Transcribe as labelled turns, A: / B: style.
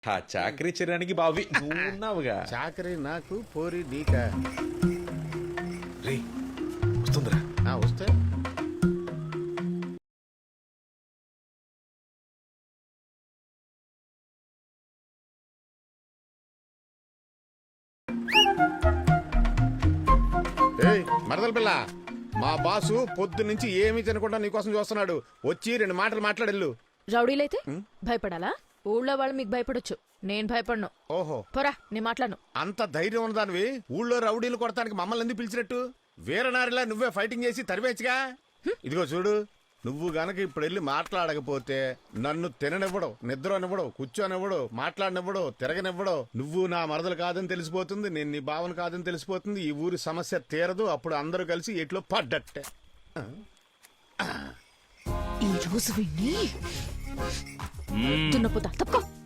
A: ఆ చాకరీ చేయడానికి బావి నువ్వు ఉన్నావుగా.
B: చాకరీ నాకు, పోరి నీకా?
A: రే వస్తుందిరా.
B: వస్తే మరదల పిల్ల, మా బాసు పొద్దు నుంచి ఏమీ తినకుండా నీకోసం చూస్తున్నాడు. వచ్చి 2 మాటలు మాట్లాడెళ్ళు.
C: రౌడీలైతే భయపడాలా? ఊళ్ళో వాళ్ళు మీకు భయపడొచ్చు, నేను భయపడను.
B: ఓహో,
C: పోరా, నేను మాట్లాడను.
B: అంత ధైర్యం ఉన్నదానివి ఊళ్ళో రౌడీలు కొడతానికి మమ్మల్ని ఎందుకు పిలిచినట్టు? వీరనారిలా నువ్వే ఫైటింగ్ చేసి తరివేచ్చుగా. ఇదిగో చూడు, నువ్వు గనక ఇప్పుడు వెళ్ళి మాట్లాడకపోతే నన్ను తిననివ్వడం, నిద్రనివ్వడం, కూర్చోనివ్వడం, మాట్లాడనివ్వడం, తిరగనివ్వడం. నువ్వు నా మరదలు కాదని తెలిసిపోతుంది, నేను నీ భావన కాదని తెలిసిపోతుంది. ఈ ఊరి సమస్య తీరదు. అప్పుడు అందరూ కలిసి ఎట్లో పడ్డట్టే.
C: ఈ రోజు విని దున్నపోతా తప్పుకో.